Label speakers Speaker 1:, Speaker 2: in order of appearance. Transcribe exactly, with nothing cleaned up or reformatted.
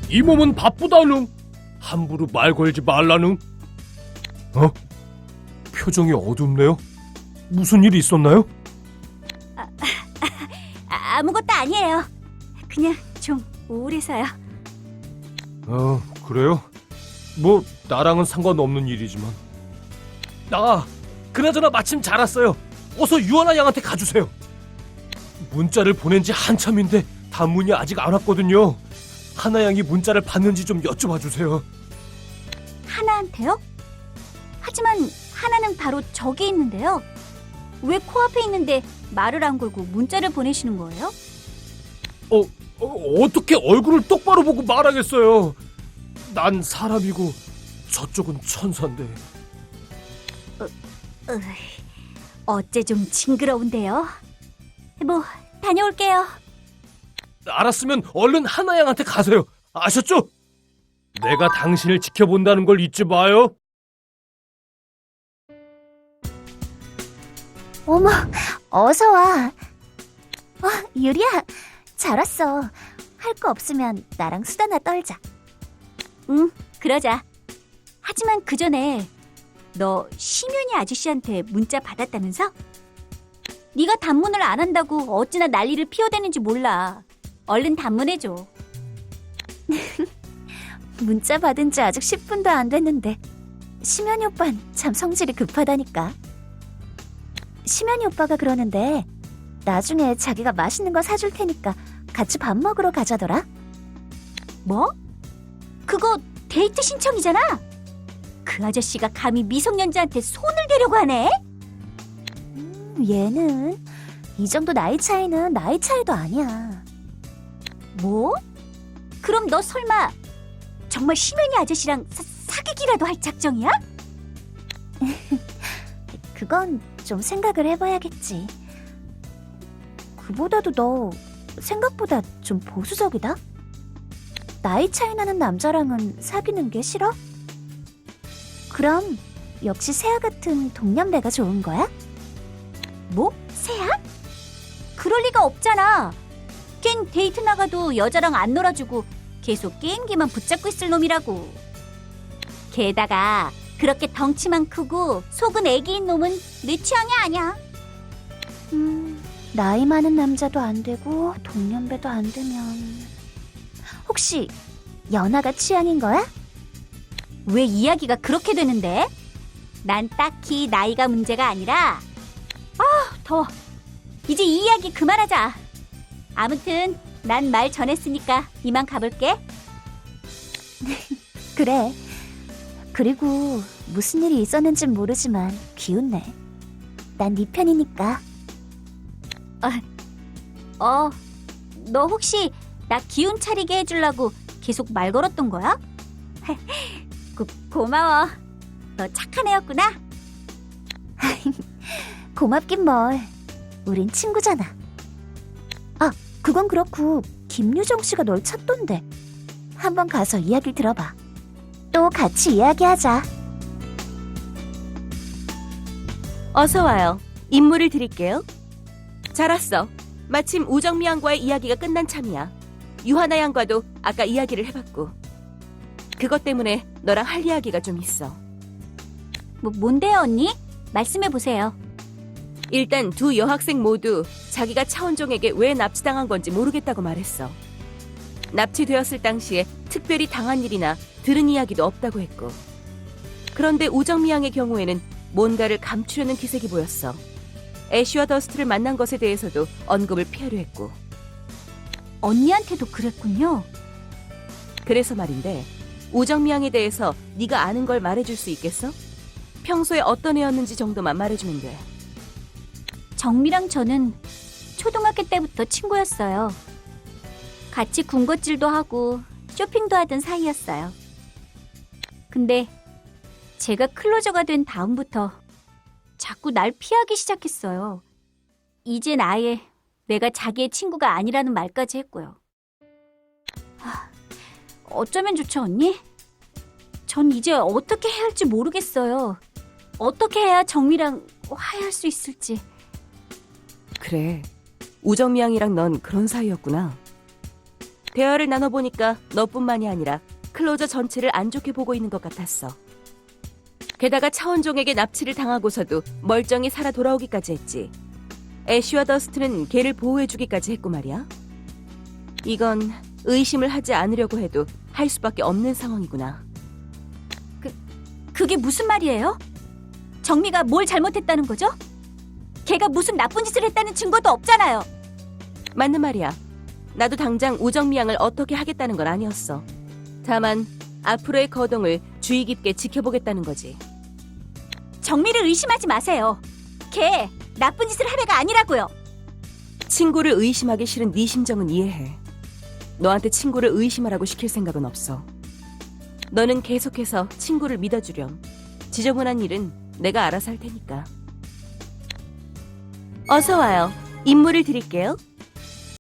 Speaker 1: 이 몸은 바쁘다누. 함부로 말 걸지 말라누. 어? 표정이 어둡네요. 무슨 일이 있었나요?
Speaker 2: 아, 아무것도 아니에요. 그냥 좀 우울해서요.
Speaker 1: 어, 그래요? 뭐 나랑은 상관없는 일이지만. 아, 그나저나 마침 잘 왔어요. 어서 유하나 양한테 가주세요. 문자를 보낸 지 한참인데 단문이 아직 안 왔거든요. 하나 양이 문자를 받는지 좀 여쭤봐 주세요.
Speaker 2: 하나한테요? 하지만 하나는 바로 저기 있는데요. 왜 코앞에 있는데 말을 안 걸고 문자를 보내시는 거예요?
Speaker 1: 어, 어 어떻게 얼굴을 똑바로 보고 말하겠어요. 난 사람이고 저쪽은 천사인데.
Speaker 2: 으이, 어째 좀 징그러운데요. 뭐 다녀올게요.
Speaker 1: 알았으면 얼른 하나 양한테 가세요. 아셨죠? 내가 당신을 지켜본다는 걸 잊지 마요.
Speaker 3: 어머, 어서 와. 어, 유리야, 잘 왔어. 할 거 없으면 나랑 수다나 떨자.
Speaker 2: 응, 그러자. 하지만 그 전에 너 심연이 아저씨한테 문자 받았다면서? 네가 단문을 안 한다고 어찌나 난리를 피워대는지 몰라. 얼른 단문해줘.
Speaker 3: 문자 받은 지 아직 십 분도 안 됐는데 심연이 오빤 참 성질이 급하다니까. 심연이 오빠가 그러는데 나중에 자기가 맛있는 거 사줄 테니까 같이 밥 먹으러 가자더라.
Speaker 2: 뭐? 그거 데이트 신청이잖아. 그 아저씨가 감히 미성년자한테 손을 대려고 하네?
Speaker 3: 음, 얘는 이 정도 나이 차이는 나이 차이도 아니야.
Speaker 2: 뭐? 그럼 너 설마 정말 심연이 아저씨랑 사, 사귀기라도 할 작정이야?
Speaker 3: 그건 좀 생각을 해봐야겠지. 그보다도 너 생각보다 좀 보수적이다? 나이 차이 나는 남자랑은 사귀는 게 싫어? 그럼 역시 세아 같은 동년배가 좋은 거야?
Speaker 2: 뭐? 새야? 그럴 리가 없잖아. 걘 데이트 나가도 여자랑 안 놀아주고 계속 게임기만 붙잡고 있을 놈이라고. 게다가 그렇게 덩치만 크고 속은 애기인 놈은 내 취향이 아니야.
Speaker 3: 음, 나이 많은 남자도 안 되고 동년배도 안 되면 혹시 연하가 취향인 거야?
Speaker 2: 왜 이야기가 그렇게 되는데? 난 딱히 나이가 문제가 아니라 아, 더워. 이제 이 이야기 그만하자. 아무튼 난 말 전했으니까 이만 가볼게.
Speaker 3: 그래. 그리고 무슨 일이 있었는진 모르지만 기운내. 난 네 편이니까.
Speaker 2: 어, 너 혹시 나 기운 차리게 해주려고 계속 말 걸었던 거야? 고, 고마워. 너 착한 애였구나.
Speaker 3: 고맙긴 뭘. 우린 친구잖아. 아, 그건 그렇고 김유정 씨가 널 찾던데. 한번 가서 이야기 들어봐. 또 같이 이야기하자.
Speaker 4: 어서 와요. 임무를 드릴게요. 잘 왔어. 마침 우정미 양과의 이야기가 끝난 참이야. 유하나 양과도 아까 이야기를 해봤고. 그것 때문에 너랑 할 이야기가 좀 있어.
Speaker 2: 뭐, 뭔데요, 언니? 말씀해보세요.
Speaker 4: 일단 두 여학생 모두 자기가 차원종에게 왜 납치당한 건지 모르겠다고 말했어. 납치되었을 당시에 특별히 당한 일이나 들은 이야기도 없다고 했고. 그런데 우정미 양의 경우에는 뭔가를 감추려는 기색이 보였어. 애쉬와 더스트를 만난 것에 대해서도 언급을 피하려 했고.
Speaker 2: 언니한테도 그랬군요.
Speaker 4: 그래서 말인데 우정미 양에 대해서 네가 아는 걸 말해줄 수 있겠어? 평소에 어떤 애였는지 정도만 말해주면 돼.
Speaker 2: 정미랑 저는 초등학교 때부터 친구였어요. 같이 군것질도 하고 쇼핑도 하던 사이였어요. 근데 제가 클로저가 된 다음부터 자꾸 날 피하기 시작했어요. 이젠 아예 내가 자기의 친구가 아니라는 말까지 했고요. 하, 어쩌면 좋죠, 언니? 전 이제 어떻게 해야 할지 모르겠어요. 어떻게 해야 정미랑 화해할 수 있을지.
Speaker 4: 그래, 우정미 양이랑 넌 그런 사이였구나. 대화를 나눠보니까 너뿐만이 아니라 클로저 전체를 안 좋게 보고 있는 것 같았어. 게다가 차원종에게 납치를 당하고서도 멀쩡히 살아 돌아오기까지 했지. 애쉬와 더스트는 걔를 보호해주기까지 했고 말이야. 이건 의심을 하지 않으려고 해도 할 수밖에 없는 상황이구나.
Speaker 2: 그게 무슨 말이에요? 정미가 뭘 잘못했다는 거죠? 걔가 무슨 나쁜 짓을 했다는 증거도 없잖아요.
Speaker 4: 맞는 말이야. 나도 당장 우정미 양을 어떻게 하겠다는 건 아니었어. 다만 앞으로의 거동을 주의 깊게 지켜보겠다는 거지.
Speaker 2: 정미를 의심하지 마세요. 걔 나쁜 짓을 할 애가 아니라고요.
Speaker 4: 친구를 의심하기 싫은 네 심정은 이해해. 너한테 친구를 의심하라고 시킬 생각은 없어. 너는 계속해서 친구를 믿어주렴. 지저분한 일은 내가 알아서 할 테니까. 어서 와요. 임무를 드릴게요.